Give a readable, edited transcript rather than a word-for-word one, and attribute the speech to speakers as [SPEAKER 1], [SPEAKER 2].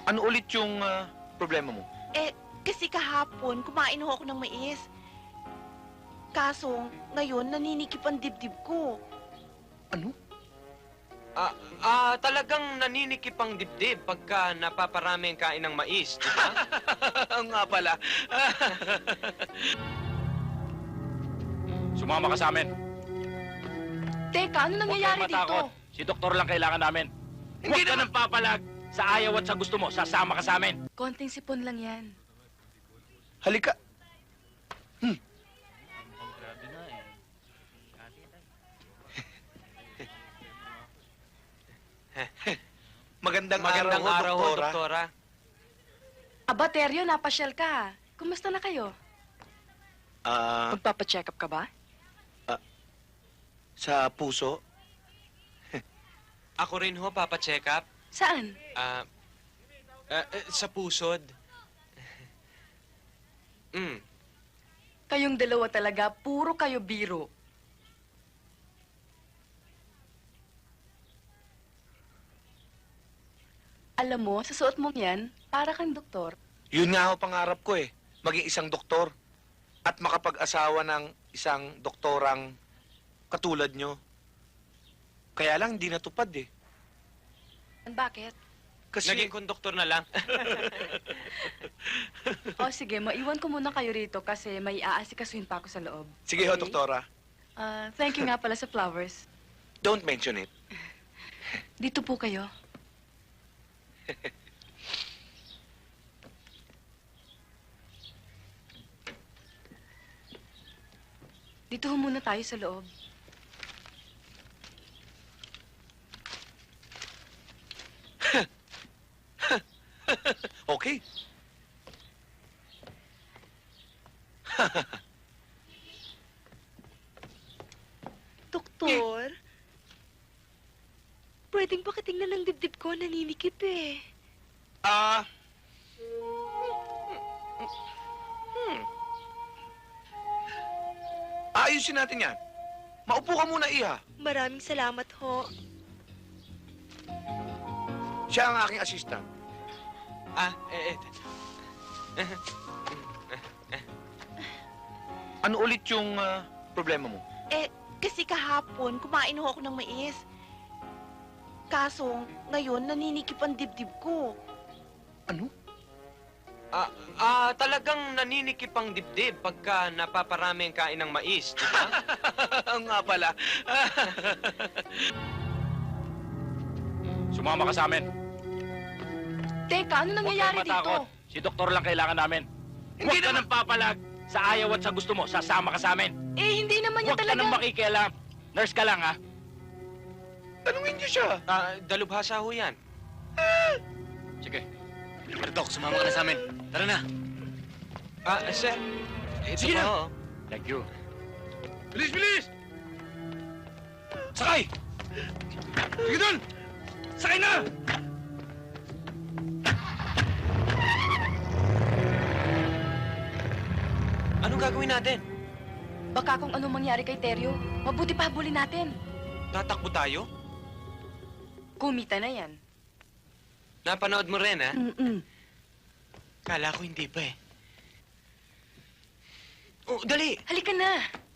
[SPEAKER 1] Ano ulit yung problema mo?
[SPEAKER 2] Kasi kahapon, kumain ho ako ng mais. Kaso, ngayon, naninikip ang dibdib ko.
[SPEAKER 1] Ano?
[SPEAKER 3] Talagang naninikip ang dibdib pagka napaparami ang kain ng mais, di ba?
[SPEAKER 1] Nga pala.
[SPEAKER 4] Sumama ka sa amin.
[SPEAKER 2] Teka, ano
[SPEAKER 4] Huwag
[SPEAKER 2] nangyayari
[SPEAKER 4] kang matakot.
[SPEAKER 2] dito?
[SPEAKER 4] Si doktor lang kailangan namin. Huwag ka nang papalag. Sa ayaw at sa gusto mo, sasama ka sa amin.
[SPEAKER 2] Konting sipon lang yan.
[SPEAKER 1] Halika. Magandang
[SPEAKER 3] Magandang araw ho,
[SPEAKER 1] doktora.
[SPEAKER 3] doktora.
[SPEAKER 2] Aba, Teryo, napasyal ka. Kumusta na kayo? Magpapacheck up ka ba?
[SPEAKER 1] Sa puso?
[SPEAKER 3] Ako rin ho, papacheck up.
[SPEAKER 2] Saan?
[SPEAKER 3] Sa pusod.
[SPEAKER 2] Kayong dalawa talaga, puro kayo biro. Alam mo, sa suot mong yan, para kang doktor.
[SPEAKER 1] Yun nga ho pangarap ko eh. Maging isang doktor. At makapag-asawa ng isang doktorang katulad nyo. Kaya lang hindi natupad eh.
[SPEAKER 2] Bakit?
[SPEAKER 1] Kasi...
[SPEAKER 3] Naging konduktor na lang.
[SPEAKER 2] O sige, maiwan ko muna kayo rito kasi may aasikasuhin pa ako sa loob.
[SPEAKER 1] Sige ho,
[SPEAKER 2] Okay?
[SPEAKER 1] doktora.
[SPEAKER 2] Thank you nga pala sa flowers.
[SPEAKER 1] Don't mention it.
[SPEAKER 2] Dito po kayo. Dito ho muna tayo sa loob.
[SPEAKER 1] Okay.
[SPEAKER 2] Doktor? Pwedeng pakitingnan ng dibdib ko, naninikip eh.
[SPEAKER 1] Ayusin natin yan. Maupo ka muna, Iha.
[SPEAKER 2] Maraming salamat ho.
[SPEAKER 1] Siya ang aking assistant. Ano ulit yung problema mo?
[SPEAKER 2] Kasi kahapon, kumain ho ako ng mais. Kaso, ngayon, naninikip ang dibdib ko.
[SPEAKER 1] Ano?
[SPEAKER 3] Talagang naninikip ang dibdib pagka napaparami ang kain ng mais, di ba?
[SPEAKER 1] Nga pala.
[SPEAKER 4] Sumama ka sa amin.
[SPEAKER 2] Teka, ano nangyayari
[SPEAKER 4] Huwag kang matakot.
[SPEAKER 2] dito?
[SPEAKER 4] Si doktor lang kailangan namin. Huwag ka nang papalag. Sa ayaw at sa gusto mo, sasama ka sa amin.
[SPEAKER 2] Hindi naman niya
[SPEAKER 4] Huwag ka
[SPEAKER 2] talaga...
[SPEAKER 4] nang makikialam. Nurse ka lang, ha?
[SPEAKER 1] Tanungin niyo siya.
[SPEAKER 3] Dalubhasa ho yan.
[SPEAKER 4] Sige.
[SPEAKER 5] Dok, sumama ka na sa amin. Tara na.
[SPEAKER 3] Sir, ito
[SPEAKER 4] Sige
[SPEAKER 3] pa
[SPEAKER 4] na.
[SPEAKER 3] ho.
[SPEAKER 4] Thank you.
[SPEAKER 1] Bilis, bilis!
[SPEAKER 4] Sakay! Sige doon! Sakay na!
[SPEAKER 3] Anong gagawin natin?
[SPEAKER 2] Baka kung anong mangyari kay Teryo, mabuti pa habulin natin.
[SPEAKER 3] Tatakbo tayo?
[SPEAKER 2] Kumita na yan.
[SPEAKER 3] Napanood mo rin, ha?
[SPEAKER 2] Mm-mm.
[SPEAKER 3] Kala ko hindi pa eh. Oh, dali!
[SPEAKER 2] Halika na.